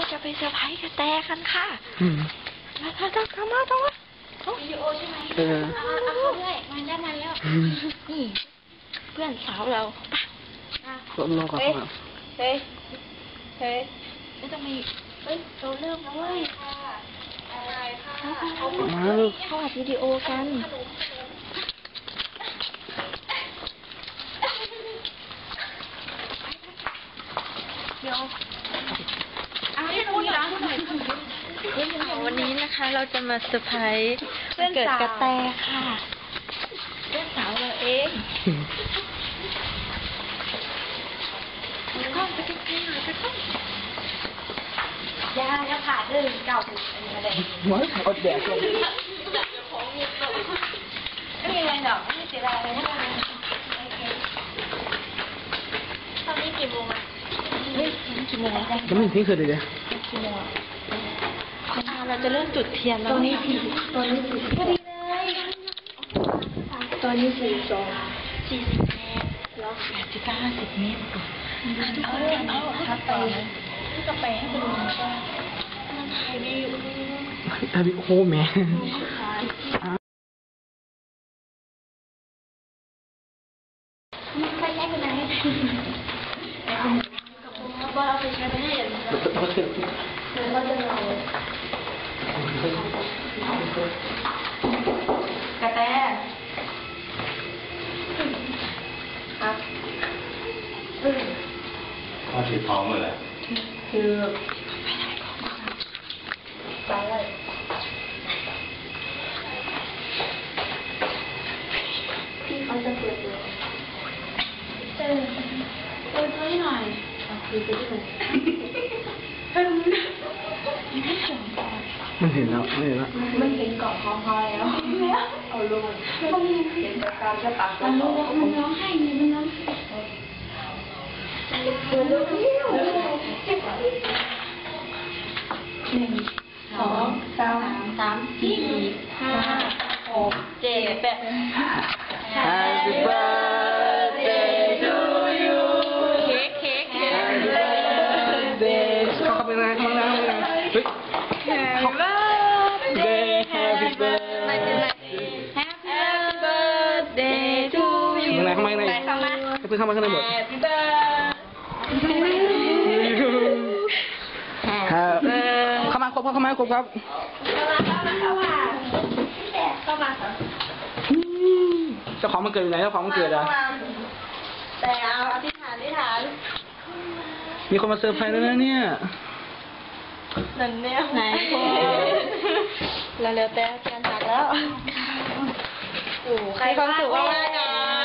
จะไปเซอร์ไพรส์กระแตกันค่ะต้องมาวิดีโอใช่ไหมเอาด้วยมาได้มาแล้วนี่เพื่อนสาวเราลงก่อนเฮ้ยไม่ต้องมีเราเริ่มแล้วเว้ยมาเขาอัดวิดีโอกันเดี๋ยววันนี้นะคะเราจะมาเซอร์ไพรส์เกิดกระแตค่ะเพื่อนสาวเราเองก้องไปใกล้ๆหน่อยไปก้องอย่าผ่าเรื่องเก่าถึงอะไรหัวเอาแดดลงไม่มีอะไรหรอกไม่เสียดายเลยตอนนี้กี่โมงอ่ะกี่โมงแล้วยังไม่ถึงเที่ยงคืนเลยเนี่ยกี่โมงเราจะเริ่มจุดเทียนแล้วตอนนี้พอดีเลยตอนนี้40 เมตรแล้ว50 เมตรเอาทับไปที่กาแฟให้ดูว่ามันถ่ายวิวโอ้โหแม่ไปใช้กันไหนบอลเอาไปใช้ไปให้อย่างนี้เราจะเอากระแตครับเขาถือท้องเลยคือไปเลยพี่เขาจะเปิดตัวเปิดตัวให้หน่อยคุยไปที่ไหนมันเห็นแล้วมันเห็นเกาะคอแล้วเอาลงเห็นจากการจะตัดมันร้องให้มันร้อง1 2 3 4 5 6 7 8 Happy birthday to you เค้ก Happy birthday เข้าไปเลยเฮ้ย Happy birthday Happy birthday to you ข้างในเพื่อนเข้ามาข้างในหมด Happy birthday เข้ามาครบครับเจ้าของมันเกิดอยู่ไหนเจ้าของมันเกิดอ่ะแต่เอาอธิษฐานมีคนมาเซอร์ไพรส์แล้วนะเนี่ยนั่นเนี่ยไหนแล้วแต่เทียนหักแล้วโอ้ใครความสุขมากนะ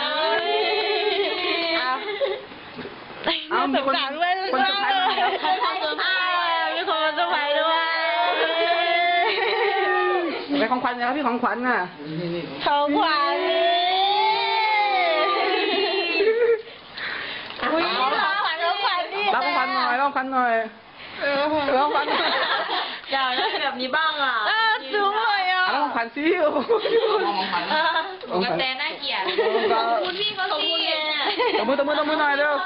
เอามีคนเซอร์ไพรส์ด้วยมีคนมาเซอร์ไพรส์ด้วยไปของขวัญนะครับพี่ของขวัญน่ะของขวัญอุ้ยของขวัญดิรับของขวัญหน่อยอยากได้แบบนี้บ้างอ่ะสูงเลยอ่ะรับของขวัญซิกระแตน่าเกลียดขอบคุณพี่เขาสิตบมือหน่อยเร็ว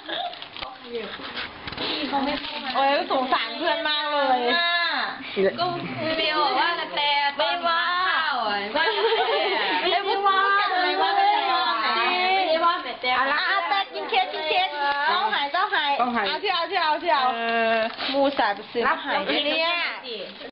โอ้ยสงสารเพื่อนมากเลยก็เบลบอกว่ากระแตไม่ว่าไม่ว่าอะไรแต่กินเค้กต้องหายเอาที่เอามูสายไปซื้อหายเนี่ย